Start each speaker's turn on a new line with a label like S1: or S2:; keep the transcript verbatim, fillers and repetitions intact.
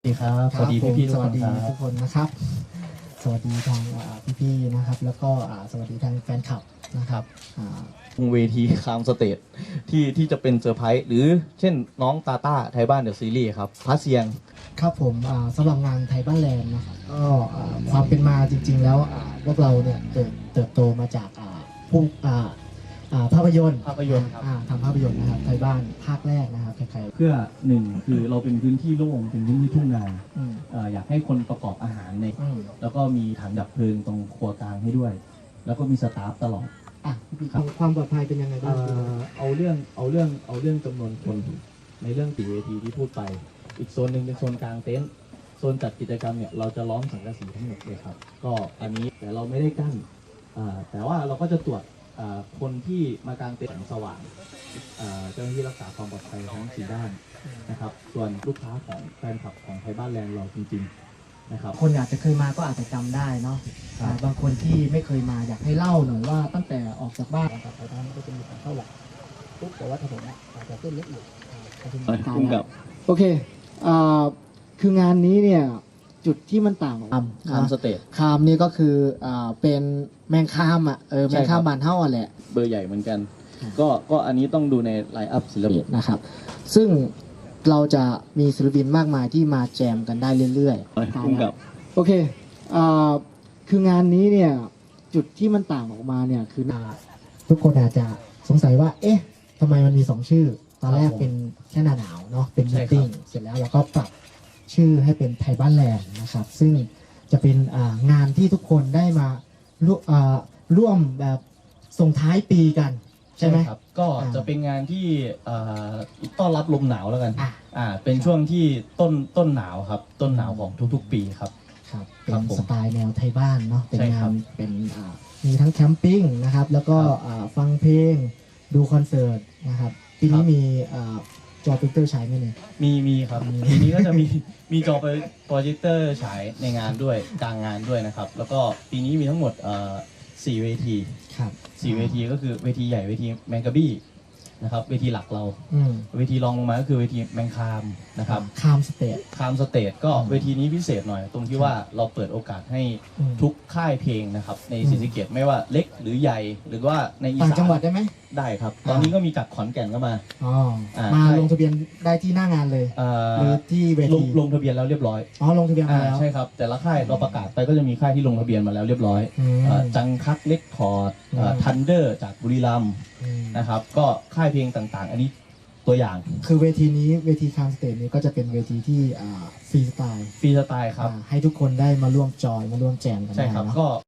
S1: สวัสดีครับสวัสดีพี่พี่ๆทุ
S2: ส
S1: กค
S2: วัส
S1: น
S2: ดี
S1: ครับ
S2: ทุกคนนะครับ สวัสดีทางพี่พี่ๆนะครับ แล้วก็อ่าสวัสดีทางแฟนคลับนะครับอ่า
S1: เวทีคามสเตทที่ที่จะเป็นเซอร์ไพรส์หรือเช่นน้องตาต้าไทยบ้านเดอะซีรีส์ครับพระเซียง
S2: ครับผมอ่าสำหรับงานไทยบ้านแลนด์นะครับก็อ่าความเป็นมาจริง ๆ แล้วอ่าพวกเราเนี่ยเติบเติบโตมาจากอ่าผู้อ่าอ่าภาพยนตร์
S1: ภาพยนตร์ครับ
S2: อ่าทำภาพยนตร์นะครับไทยบ้านภาคแรกนะครับใคร
S3: เพื่อหนึ่งคือเราเป็นพื้นที่โล่งเป็นพื้นที่ทุ่งนา
S2: ๆอืม
S3: เอ่ออยากให้คนประกอบอาหารใน
S2: อืม
S3: แล้วก็มีถังดับเพลิงตรงครัวกลางให้ด้วย แล้วก็มีสตาฟตลอด
S2: อ่ะพี่ๆความปลอดภัยเป็นยังไงบ้าง
S3: เอ่อเอาเรื่องเอาเรื่องเอาเรื่องจำนวนคนในเรื่องตีเวทีที่พูดไป อีกโซนหนึ่งเป็นโซนกลางเต็นท์โซนจัดกิจกรรมเนี่ยเราจะล้อมสังกะสีทั้งหมดเลยครับก็อันนี้แต่เราไม่ได้กั้นอ่าแต่ว่าเราก็จะตรวจอ่าคนที่มากางเต็นท์แสงสว่างอ่าเจ้าหน้าที่รักษาความปลอดภัยทั้งสี่ด้านนะครับส่วนลูกค้าของแฟนคลับของไทยบ้านแลนด์เราจริงๆนะครับ
S2: คนอาจจะเคยมาก็อาจจะจำได้เนาะ
S3: ครับ
S2: อ่าบางคนที่ไม่เคยมาอยากให้เล่าหน่อยว่าตั้งแต่ออกจากบ้านนะครับไปทางก็จะมีทางเข้าหลักปุ๊บแต่ว่าถนนอะอาจจะเส้นเล็กอยู่อ่าก็จะมีทาง
S1: พุ่งกับ
S2: โอเคอ่าคืองานนี้เนี่ยจุดที่มันต่างออก
S1: คามสเตท
S2: คามนี่ก็คืออ่าเป็นแมงคามอ่ะเออแมงคามบานเท่าอ่ะแหละ
S1: เบอร์ใหญ่เหมือนกัน ก็ก็อันนี้ต้องดูในไลน์อัพศิลปิน
S2: นะครับ ซึ่งเราจะมีศิลปินมากมายที่มาแจมกันได้เรื่อยๆ
S1: พุ่งกับ
S2: โอเคอ่าคืองานนี้เนี่ยจุดที่มันต่างออกมาเนี่ยคืออ่าทุกคนอาจจะสงสัยว่า เอ๊ะทำไมมันมีสองชื่อ ตอนแรก
S1: ครับผม
S2: เป็นแค่หน้าหนาวเนาะ เป็น
S1: ใช่
S2: มี
S1: ครับ
S2: ติ้ง เสร็จแล้วเราก็ปรับชื่อให้เป็นไทยบ้านแลนด์นะครับ ซึ่งจะเป็นอ่างานที่ทุกคนได้มาร่วมอ่าร่วมแบบส่งท้ายปีกัน ใช่ไหม
S1: ครับก็
S2: อ่า
S1: จะเป็นงานที่เอ่อต้อนรับลมหนาวแล้วกัน
S2: อ่ะ
S1: อ่าเป็นช่วงที่ต้นต้นหนาวครับ ต้นหนาวของทุกๆ ปีครับ
S2: ครับ เป็
S1: ครับ
S2: น
S1: ผม
S2: สไตล์แนวไทยบ้านเนาะ เป็น
S1: ใช่ครั
S2: งา
S1: บ
S2: น เป็นอ่ามีทั้งแคมปิ้งนะครับ แล้วก็
S1: ครับ
S2: อ่าฟังเพลง ดูคอนเสิร์ตนะครับ ปีนี้
S1: ครับ
S2: มีอ่าจอพิกเตอร์ใช้ไหมเนี่ย
S1: มีมีครับ
S2: มี
S1: ทีนี้ก็จะมี มีจอโปรเจคเตอร์ฉายในงานด้วยกลางงานด้วยนะครับ แล้วก็ปีนี้มีทั้งหมดเอ่อสี่เวที
S2: ครับ
S1: สี่เวทีก็คือเวทีใหญ่เวทีแมงกะบี้นะครับเวทีหลักเรา
S2: อืม
S1: เวทีรองลงมาก็คือเวทีแมงคามนะครับ
S2: คามสเตท
S1: คามสเตทก็
S2: อืม
S1: เวทีนี้พิเศษหน่อย ตรงที่ว่าเราเปิดโอกาสให้
S2: อืม
S1: ทุกค่ายเพลงนะครับใน
S2: อืม
S1: ศรีสะเกษไม่ว่าเล็กหรือใหญ่หรือว่าในอี
S2: ต่าง
S1: สาน
S2: จังหวัดได้ไหม
S1: ได้ครับ
S2: อ่า
S1: ตอนนี้ก็มีจากขอนแก่นก็มา
S2: อ๋อ
S1: อ่า
S2: มา
S1: ใช่
S2: ลงทะเบียนได้ที่หน้างานเลย
S1: เอ่อ
S2: หรือที่เว
S1: ลง
S2: ที
S1: ลงทะเบียนแล้วเรียบร้อย
S2: อ๋อ ลงทะเบียนมา
S1: อ่า
S2: แล้ว
S1: ใช่ครับ แต่ละค่ายเราประกาศไปก็จะมีค่ายที่ลงทะเบียนมาแล้วเรียบร้อย
S2: อืม
S1: เอ่อจังคักเล็กคอร์ด
S2: อืม
S1: ทันเดอร์จากบุรีรัมย์
S2: อืม
S1: นะครับ ก็ค่ายเพลงต่างๆ อันนี้ตัวอย่าง
S2: คือเวทีนี้เวทีคามสเตทนี้ก็จะเป็นเวทีที่อ่าฟรีสไตล์
S1: ฟรีสไตล์ครับ
S2: อ่าให้ทุกคนได้มาร่วมจอยมาร่วมแจมกัน
S1: ใช่
S2: ได้
S1: ครับ
S2: เนาะ
S1: ก็